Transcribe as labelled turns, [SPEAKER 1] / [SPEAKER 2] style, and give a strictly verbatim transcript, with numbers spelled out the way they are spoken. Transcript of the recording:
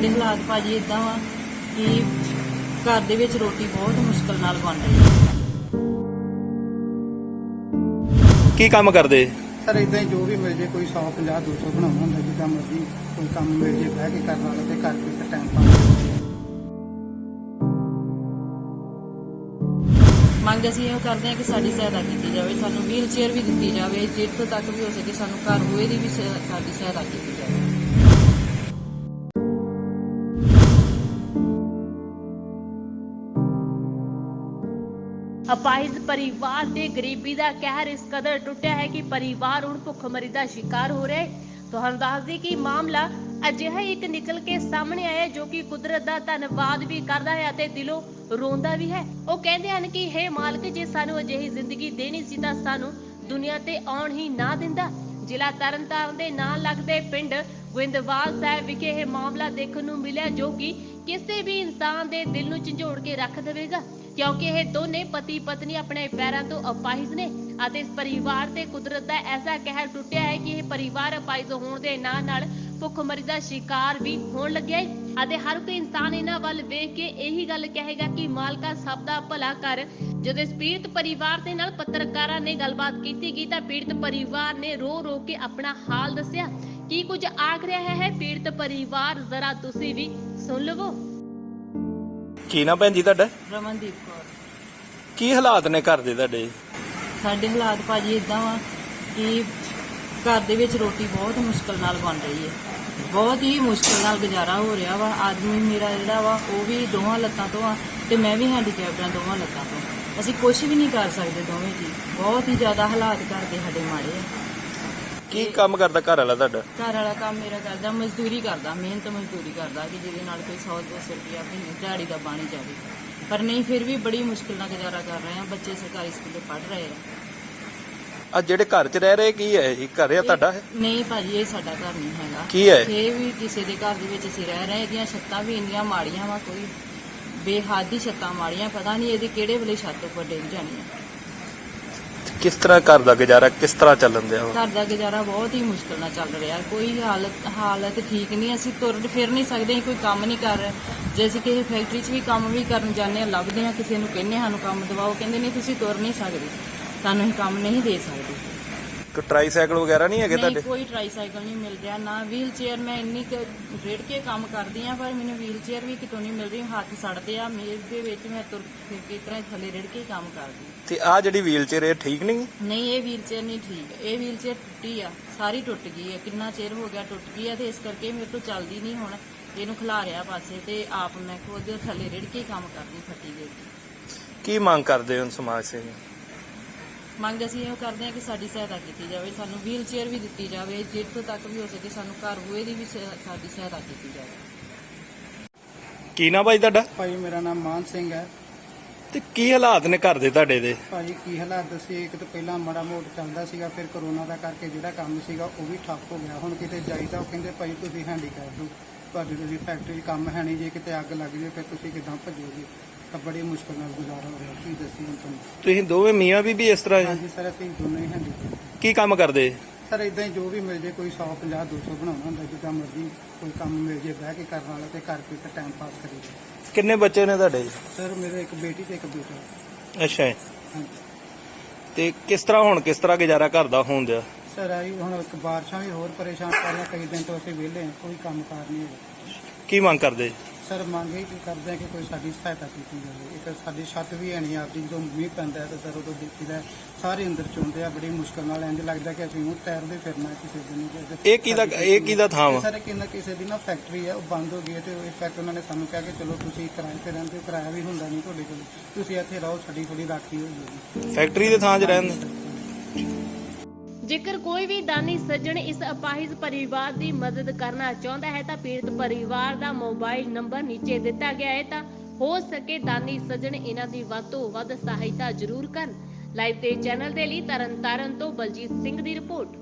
[SPEAKER 1] ਸਾਡੇ ਹਾਲਾਤ ਭਾਜੀ ਇਦਾਂ ਵਾ ਕਿ ਘਰ ਦੇ ਵਿੱਚ ਰੋਟੀ ਬਹੁਤ ਮੁਸ਼ਕਲ ਨਾਲ ਬਣ ਰਹੀ ਹੈ।
[SPEAKER 2] ਕੀ ਕੰਮ ਕਰਦੇ?
[SPEAKER 3] ਸਰ ਇਦਾਂ ਹੀ ਜੋ ਵੀ ਮਿਲ ਜੇ, ਕੋਈ ਸੌ ਪੰਜਾਹ ਦੋ ਸੌ ਬਣਾਉਣਾ ਹੁੰਦਾ, ਜਿੱਦਾਂ ਮਰਜ਼ੀ ਕੋਈ ਕੰਮ ਮਿਲ ਜੇ ਬਹਿ ਕੇ ਕਰਨ ਵਾਲਾ ਤੇ ਘਰ ਕੋਈ ਟਾਈਮ ਪਾਸ।
[SPEAKER 1] ਮੰਗ ਅਸੀਂ ਇਹ ਕਰਦੇ ਹਾਂ ਕਿ ਸਾਡੀ ਸਹਾਇਤਾ ਕੀਤੀ ਜਾਵੇ, ਸਾਨੂੰ ਵੀਲ ਚੇਅਰ ਵੀ ਦਿੱਤੀ ਜਾਵੇ, ਜਿੱਥੋਂ ਤੱਕ ਵੀ ਹੋ ਸਕੇ ਸਾਨੂੰ ਘਰ ਹੋਏ ਦੀ ਵੀ ਸਾਡੀ ਸਹਾਇਤਾ ਕੀਤੀ ਜਾਵੇ।
[SPEAKER 4] ਅਪਾਹਿਜ ਪਰਿਵਾਰ ਦੇ ਗਰੀਬੀ ਦਾ ਕਹਿਰ ਇਸ ਕਦਰ ਟੁੱਟਿਆ ਹੈ ਕਿ ਪਰਿਵਾਰ ਹੁਣ ਭੁੱਖਮਰੀ ਦਾ ਸ਼ਿਕਾਰ ਹੋ ਰਿਹਾ ਹੈ। ਤੁਹਾਨੂੰ ਦੱਸ ਦਈਏ ਕਿ ਮਾਮਲਾ ਅਜਿਹਾ ਇੱਕ ਨਿਕਲ ਕੇ ਸਾਹਮਣੇ ਆਇਆ ਜੋ ਕਿ ਕੁਦਰਤ ਦਾ ਧੰਨਵਾਦ ਵੀ ਕਰਦਾ ਹੈ ਅਤੇ ਦਿਲੋਂ ਰੋਂਦਾ ਵੀ ਹੈ। ਉਹ ਕਹਿੰਦੇ ਹਨ ਕਿ ਹੇ ਮਾਲਕ, ਜੇ ਸਾਨੂੰ ਅਜਿਹੀ ਜ਼ਿੰਦਗੀ ਦੇਣੀ ਸੀ ਤਾਂ ਸਾਨੂੰ ਦੁਨੀਆ ਤੇ ਆਉਣ ਹੀ ਨਾ ਦਿੰਦਾ। ਜ਼ਿਲ੍ਹਾ ਤਰਨਤਾਰਨ ਦੇ ਨਾਲ ਲੱਗਦੇ ਪਿੰਡ ਗੋਇੰਦਵਾਲ ਸਾਹਿਬ ਵਿਖੇ ਇਹ ਮਾਮਲਾ ਦੇਖਣ ਨੂੰ ਮਿਲਿਆ ਜੋ ਕਿ ਕਿਸੇ ਵੀ ਇਨਸਾਨ ਦੇ ਦਿਲ ਨੂੰ ਝੰਜੋੜ ਕੇ ਰੱਖ ਦੇਵੇਗਾ, ਕਿਉਂਕਿ ਇਹ ਦੋਨੇ ਪਤੀ ਪਤਨੀ ਆਪਣੇ ਪੈਰਾਂ ਤੋਂ ਅਪਾਹਿਜ ਨੇ ਅਤੇ ਇਸ ਪਰਿਵਾਰ ਤੇ ਕੁਦਰਤ ਦਾ ਐਸਾ ਕਹਿਰ ਟੁੱਟਿਆ ਹੈ ਕਿ ਇਹ ਪਰਿਵਾਰ ਅਪਾਹਿਜ ਹੋਣ ਦੇ ਨਾਲ ਨਾਲ ਭੁੱਖਮਰੀ ਦਾ ਸ਼ਿਕਾਰ ਵੀ ਹੋਣ ਲੱਗਿਆ ਹੈ ਅਤੇ ਹਰ ਕੋਈ ਇਨਸਾਨ ਇਹਨਾਂ ਵੱਲ ਵੇਖ ਕੇ ਇਹੀ ਗੱਲ ਕਹੇਗਾ ਕਿ ਮਾਲਕਾ ਸਭ ਦਾ ਭਲਾ ਕਰ। ਜਦੋਂ ਇਸ ਪੀੜਤ ਪਰਿਵਾਰ ਦੇ ਨਾਲ ਪੱਤਰਕਾਰਾਂ ਨੇ ਗੱਲਬਾਤ ਕੀਤੀ ਗਈ ਤਾਂ ਪੀੜਤ ਪਰਿਵਾਰ ਨੇ ਰੋ ਰੋ ਕੇ ਆਪਣਾ ਹਾਲ ਦੱਸਿਆ। ਕੀ ਕੁਝ ਆਖ ਰਿਹਾ ਹੈ ਪੀੜਤ ਪਰਿਵਾਰ, ਜ਼ਰਾ ਤੁਸੀਂ ਵੀ ਸੁਣ ਲਵੋ।
[SPEAKER 2] ਕੀ ਨਾ ਭੈਣ ਜੀ ਤੁਹਾਡਾ?
[SPEAKER 1] ਰਮਨਦੀਪ ਕੌਰ।
[SPEAKER 2] ਕੀ ਹਾਲਾਤ ਨੇ ਘਰ ਦੇ ਤੁਹਾਡੇ?
[SPEAKER 1] ਸਾਡੇ ਹਾਲਾਤ ਭਾਜੀ ਇਦਾਂ ਵਾ ਕਿ ਘਰ ਦੇ ਵਿੱਚ ਰੋਟੀ ਬਹੁਤ ਮੁਸ਼ਕਲ ਨਾਲ ਬਣ ਰਹੀ ਹੈ, ਬਹੁਤ ਹੀ ਮੁਸ਼ਕਲ ਨਾਲ ਗੁਜ਼ਾਰਾ ਹੋ ਰਿਹਾ ਵਾ। ਆਦਮੀ ਮੇਰਾ ਜਿਹੜਾ ਵਾ ਉਹ ਵੀ ਦੋਵਾਂ ਲੱਤਾਂ ਤੋਂ ਆ ਤੇ ਮੈਂ ਵੀ ਹੈਂਡੀਕੈਪਡ ਆ ਦੋਵਾਂ ਲੱਤਾਂ ਤੋਂ। ਅਸੀਂ ਕੁਝ ਵੀ ਨਹੀਂ ਕਰ ਸਕਦੇ ਦੋਵੇਂ ਜੀ, ਬਹੁਤ ਹੀ ਜ਼ਿਆਦਾ ਹਾਲਾਤ ਘਰ ਦੇ ਸਾਡੇ ਮਾੜੇ ਆ।
[SPEAKER 2] ਕੀ ਕੰਮ ਕਰਦਾ ਘਰ ਵਾਲਾ ਤੁਹਾਡਾ?
[SPEAKER 1] ਘਰ ਵਾਲਾ ਕੰਮ ਮੇਰਾ ਕਰਦਾ, ਮਜ਼ਦੂਰੀ ਕਰਦਾ, ਮਿਹਨਤ ਮਜ਼ਦੂਰੀ ਕਰਦਾ ਕਿ ਜਿਹਦੇ ਨਾਲ ਕੋਈ ਸੌ ਦੋ ਸੌ ਰੁਪਇਆ ਮਹੀਨੇ ਦਿਹਾੜੀ ਦਾ ਬਣ ਜਾਵੇ, ਪਰ ਨਹੀਂ ਫਿਰ ਵੀ ਬੜੀ ਮੁਸ਼ਕਿਲ ਨਾਲ ਗੁਜ਼ਾਰਾ ਕਰ ਰਹੇ ਆ। ਬੱਚੇ ਸਰਕਾਰੀ ਸਕੂਲੇ ਪੜ੍ਹ ਰਹੇ ਆ।
[SPEAKER 2] ਆ ਜਿਹੜੇ ਘਰ 'ਚ ਰਹਿ ਰਹੇ ਕੀ ਹੈ? ਇਹ ਘਰ ਆ ਤੁਹਾਡਾ? ਹੈ
[SPEAKER 1] ਨਹੀਂ ਭਾਜੀ, ਇਹ ਸਾਡਾ ਘਰ ਨਹੀਂ ਹੈਗਾ।
[SPEAKER 2] ਕੀ ਹੈ?
[SPEAKER 1] ਇਹ ਵੀ ਕਿਸੇ ਦੇ ਘਰ ਦੇ ਵਿੱਚ ਅਸੀਂ ਰਹਿ ਰਹੇ। ਇਹਦੀਆਂ ਛੱਤਾਂ ਵੀ ਇੰਨੀਆਂ ਮਾੜੀਆਂ ਵਾ, ਕੋਈ ਬੇਹੱਦ ਹੀ ਛੱਤਾਂ ਮਾੜੀਆਂ, ਪਤਾ ਨਹੀਂ ਇਹਦੀ ਕਿਹੜੇ ਵੇਲੇ ਛੱਤ ਉੱਪਰ ਡਿੱਗ ਜਾਣੀ ਹੈ।
[SPEAKER 2] ਕਿਸ ਤਰ੍ਹਾਂ ਘਰ ਦਾ ਗੁਜ਼ਾਰਾ ਕਿਸ ਤਰ੍ਹਾਂ ਚੱਲਣ ਦਿਆ?
[SPEAKER 1] ਘਰ ਦਾ ਗੁਜ਼ਾਰਾ ਬਹੁਤ ਹੀ ਮੁਸ਼ਕਲ ਨਾਲ ਚੱਲ ਰਿਹਾ, ਕੋਈ ਹਾਲਤ ਹਾਲਤ ਠੀਕ ਨਹੀਂ। ਅਸੀਂ ਤੁਰ ਫਿਰ ਨਹੀਂ ਸਕਦੇ, ਕੋਈ ਕੰਮ ਨਹੀਂ ਕਰ ਰਹੇ। ਜੇ ਅਸੀਂ ਕਿਸੇ ਫੈਕਟਰੀ 'ਚ ਵੀ ਕੰਮ ਵੀ ਕਰਨ ਜਾਂਦੇ ਹਾਂ, ਲੱਭਦੇ ਹਾਂ ਕਿਸੇ ਨੂੰ, ਕਹਿੰਦੇ ਸਾਨੂੰ ਕੰਮ ਦਿਵਾਓ, ਕਹਿੰਦੇ ਨਹੀਂ ਤੁਸੀਂ ਤੁਰ ਨਹੀਂ ਸਕਦੇ, ਸਾਨੂੰ ਅਸੀਂ ਕੰਮ ਨਹੀਂ ਦੇ ਸਕਦੇ।
[SPEAKER 2] ਕੋਈ ਟਰਾਈਸਾਈਕਲ ਵਗੈਰਾ ਨਹੀਂ ਹੈਗੇ
[SPEAKER 1] ਨਹੀਂ,
[SPEAKER 2] ਤੁਹਾਡੇ?
[SPEAKER 1] ਕੋਈ ਟਰਾਈਸਾਈਕਲ ਨਹੀਂ ਮਿਲ ਰਿਹਾ, ਨਾ ਵੀਲ ਚੇਅਰ। ਮੈਂ ਇੰਨੀ ਕੁ ਰੇੜ ਕੇ ਕੰਮ ਕਰਦੀ ਆ ਪਰ ਮੈਨੂੰ ਵੀਲ ਚੇਅਰ ਵੀ ਕਿਤੋਂ ਨਹੀਂ ਮਿਲ ਰਹੀ। ਹੱਥ ਸੜਦੇ ਆ, ਮੇਜ਼ ਦੇ ਵਿੱਚ ਮੈਂ ਤੁਰ ਫਿਰ ਕੇ ਇਸ ਤਰ੍ਹਾਂ ਥੱਲੇ ਰੇੜ ਕੇ ਕੰਮ ਕਰਦੀ।
[SPEAKER 2] ਤੇ ਆ ਜਿਹੜੀ ਵੀਲ ਚੇਅਰ ਇਹ ਠੀਕ ਨਹੀਂ?
[SPEAKER 1] ਨਹੀਂ, ਇਹ ਵੀਲ ਚੇਅਰ ਨਹੀਂ ਠੀਕ। ਇਹ ਵੀਲ ਚੇਅਰ ਟੁੱਟੀ ਆ, ਸਾਰੀ ਟੁੱਟ ਗਈ ਹੈ, ਕਿੰਨਾ ਚਿਰ ਹੋ ਗਿਆ ਟੁੱਟ ਗਈ ਆ ਤੇ ਇਸ ਕਰਕੇ ਮੇਰੇ ਤੋਂ ਚੱਲਦੀ ਨਹੀਂ ਹੁਣ। ਇਹਨੂੰ ਖਿਲਾਰਿਆ ਪਾਸੇ ਤੇ ਆਪ ਮੈਂ ਖੁਦ ਥੱਲੇ ਰੇੜ ਕੇ ਕੰਮ ਕਰਦੀ ਫੱਟੀ ਦੇ।
[SPEAKER 2] ਕੀ ਮੰਗ ਕਰਦੇ ਹੋ ਸਮਾਜ ਸੇਵੀ?
[SPEAKER 1] ਮੰਗ ਅਸੀਂ ਇਹ ਕਰਦੇ ਹਾਂ ਕਿ ਸਾਡੀ ਸਹਾਇਤਾ ਕੀਤੀ ਜਾਵੇ, ਸਾਨੂੰ ਵੀਲ ਚੇਅਰ ਵੀ ਦਿੱਤੀ ਜਾਵੇ, ਜਿੱਥੋਂ ਤੱਕ ਵੀ ਹੋ ਸਕੇ ਸਾਨੂੰ ਘਰ ਹੋਏ ਦੀ ਵੀ ਸਾਡੀ ਸਹਾਇਤਾ ਕੀਤੀ ਜਾਵੇ।
[SPEAKER 2] ਕੀ ਨਾ ਭਾਈ ਤੁਹਾਡਾ?
[SPEAKER 3] ਭਾਈ ਮੇਰਾ ਨਾਮ ਮਾਨ ਸਿੰਘ ਹੈ।
[SPEAKER 2] ਤੇ ਕੀ ਹਾਲਾਤ ਨੇ ਘਰ ਦੇ ਤੁਹਾਡੇ ਦੇ?
[SPEAKER 3] ਭਾਜੀ ਕੀ ਹਾਲਾਤ ਦੱਸੇ, ਇੱਕ ਤਾਂ ਪਹਿਲਾਂ ਮਾੜਾ ਮੋਟ ਚੱਲਦਾ ਸੀਗਾ, ਫਿਰ ਕਰੋਨਾ ਦਾ ਕਰਕੇ ਜਿਹੜਾ ਕੰਮ ਸੀਗਾ ਉਹ ਵੀ ਠੱਪ ਹੋ ਗਿਆ। ਹੁਣ ਕਿਤੇ ਜਾਈਦਾ ਉਹ ਕਹਿੰਦੇ ਭਾਈ ਤੁਸੀਂ ਹੈਂਡੀਕੈਪ ਹੋ, ਤੁਹਾਡੀ ਤੁਸੀਂ ਫੈਕਟਰੀ 'ਚ ਕੰਮ ਹੈ ਨਹੀਂ, ਜੇ ਕਿਤੇ ਅੱਗ ਲੱਗ ਜਾਵੇ ਫਿਰ ਤੁਸੀਂ ਕਿੱਦਾਂ ਭੱਜੋਗੇ? ਤਾਂ ਬੜੀ ਮੁਸ਼ਕਲ ਨਾਲ ਗੁਜ਼ਾਰਾ ਹੋ ਰਿਹਾ। ਕੀ ਦੱਸੀ ਹੁਣ ਤੁਹਾਨੂੰ?
[SPEAKER 2] ਤੁਸੀਂ ਦੋਵੇਂ ਮੀਆਂ ਬੀਬੀ ਇਸ ਤਰ੍ਹਾਂ?
[SPEAKER 3] ਹਾਂਜੀ ਸਰ, ਅਸੀਂ ਦੋਨੋਂ ਹੀ ਹੈਂਡੀਕੈਪ।
[SPEAKER 2] ਕੀ ਕੰਮ ਕਰਦੇ?
[SPEAKER 3] ਸਰ ਇਦਾਂ ਹੀ ਜੋ ਵੀ ਮਿਲ ਜੇ, ਕੋਈ ਸੌ ਪੰਜਾਹ ਦੋ ਸੌ ਬਣਾਉਣਾ ਹੁੰਦਾ, ਜਿੱਦਾਂ ਮਰਜ਼ੀ ਕੋਈ ਕੰਮ ਮਿਲ ਜੇ ਬਹਿ ਕੇ ਕਰਨ ਵਾਲਾ ਤੇ ਘਰ ਕੋਈ ਟਾਈਮ ਪਾਸ ਕਰੀਦਾ।
[SPEAKER 2] ਕਿੰਨੇ ਬੱਚੇ ਨੇ ਤੁਹਾਡੇ?
[SPEAKER 3] ਸਰ ਮੇਰੇ ਇੱਕ ਬੇਟੀ ਤੇ ਇੱਕ ਬੇਟਾ।
[SPEAKER 2] ਅੱਛਾ ਜੀ।
[SPEAKER 3] ਹਾਂਜੀ
[SPEAKER 2] ਤੇ ਕਿਸ ਤਰ੍ਹਾਂ ਹੁਣ ਕਿਸ ਤਰ੍ਹਾਂ ਗੁਜ਼ਾਰਾ ਘਰ ਦਾ ਹੋਣ ਦਿਆ?
[SPEAKER 3] ਸਰ ਆਈ ਹੁਣ ਇੱਕ ਬਾਰਿਸ਼ਾਂ ਵੀ ਹੋਰ ਪਰੇਸ਼ਾਨ ਕਰ ਰਹੀਆਂ, ਕਈ ਦਿਨ ਤੋਂ ਅਸੀਂ ਵਿਹਲੇ ਹਾਂ, ਕੋਈ ਕੰਮ ਕਾਰ ਨਹੀਂ ਹੈਗਾ।
[SPEAKER 2] ਕੀ ਮੰਗ ਕਰਦੇ?
[SPEAKER 3] ਸਰ ਮੰਗ ਇਹ ਕਰਦੇ ਆ ਕਿ ਕੋਈ ਸਾਡੀ ਸਹਾਇਤਾ ਕੀਤੀ ਜਾਵੇ। ਇੱਕ ਸਾਡੀ ਛੱਤ ਵੀ ਹੈ ਨਹੀਂ ਆਪਦੀ, ਜਦੋਂ ਮੀਂਹ ਪੈਂਦਾ ਤਾਂ ਸਰ ਉਦੋਂ ਦੇਖੀਦਾ ਸਾਰੇ ਅੰਦਰ ਚੁੰਦੇ ਆ, ਬੜੀ ਮੁਸ਼ਕਲ ਨਾਲ। ਇੰਝ ਲੱਗਦਾ ਕਿ ਅਸੀਂ ਉਹ ਤੈਰਦੇ ਫਿਰਨਾ ਕਿਸੇ ਦਿਨ।
[SPEAKER 2] ਇਹ ਕਿਹਦਾ ਇਹ ਕਿਹਦਾ ਥਾਂ ਵਾ?
[SPEAKER 3] ਸਰ ਕਿੰਨਾ ਕਿਸੇ ਦੀ ਨਾ ਫੈਕਟਰੀ ਹੈ, ਉਹ ਬੰਦ ਹੋ ਗਈ ਹੈ ਤੇ ਇਸ ਕਰਕੇ ਉਹਨਾਂ ਨੇ ਸਾਨੂੰ ਕਿਹਾ ਕਿ ਚਲੋ ਤੁਸੀਂ ਕਿਰਾਏ ਤੇ ਰਹਿੰਦੇ ਹੋ, ਕਿਰਾਇਆ ਵੀ ਹੁੰਦਾ ਨਹੀਂ ਤੁਹਾਡੇ ਕੋਲ, ਤੁਸੀਂ ਇੱਥੇ ਰਹੋ, ਸਾਡੀ ਥੋੜੀ ਰਾਖੀ ਹੋਈ ਹੈ।
[SPEAKER 2] ਫੈਕਟਰੀ ਦੇ ਥਾਂ 'ਚ ਰਹਿੰਦੇ?
[SPEAKER 4] ਜੇਕਰ ਕੋਈ ਵੀ ਦਾਨੀ ਸੱਜਣ ਇਸ ਅਪਾਹਿਜ ਪਰਿਵਾਰ ਦੀ ਮਦਦ ਕਰਨਾ ਚਾਹੁੰਦਾ ਹੈ ਤਾਂ ਪੀੜਤ ਪਰਿਵਾਰ ਦਾ ਮੋਬਾਈਲ ਨੰਬਰ ਨੀਚੇ ਦਿੱਤਾ ਗਿਆ ਹੈ, ਤਾਂ ਹੋ ਸਕੇ ਦਾਨੀ ਸੱਜਣ ਇਹਨਾਂ ਦੀ ਵੱਧ ਤੋਂ ਵੱਧ ਸਹਾਇਤਾ ਜ਼ਰੂਰ ਕਰਨ। ਲਾਈਵ ਤੇ ਚੈਨਲ ਦੇ ਲਈ ਤਰਨਤਾਰਨ ਤੋਂ ਬਲਜੀਤ ਸਿੰਘ ਦੀ ਰਿਪੋਰਟ।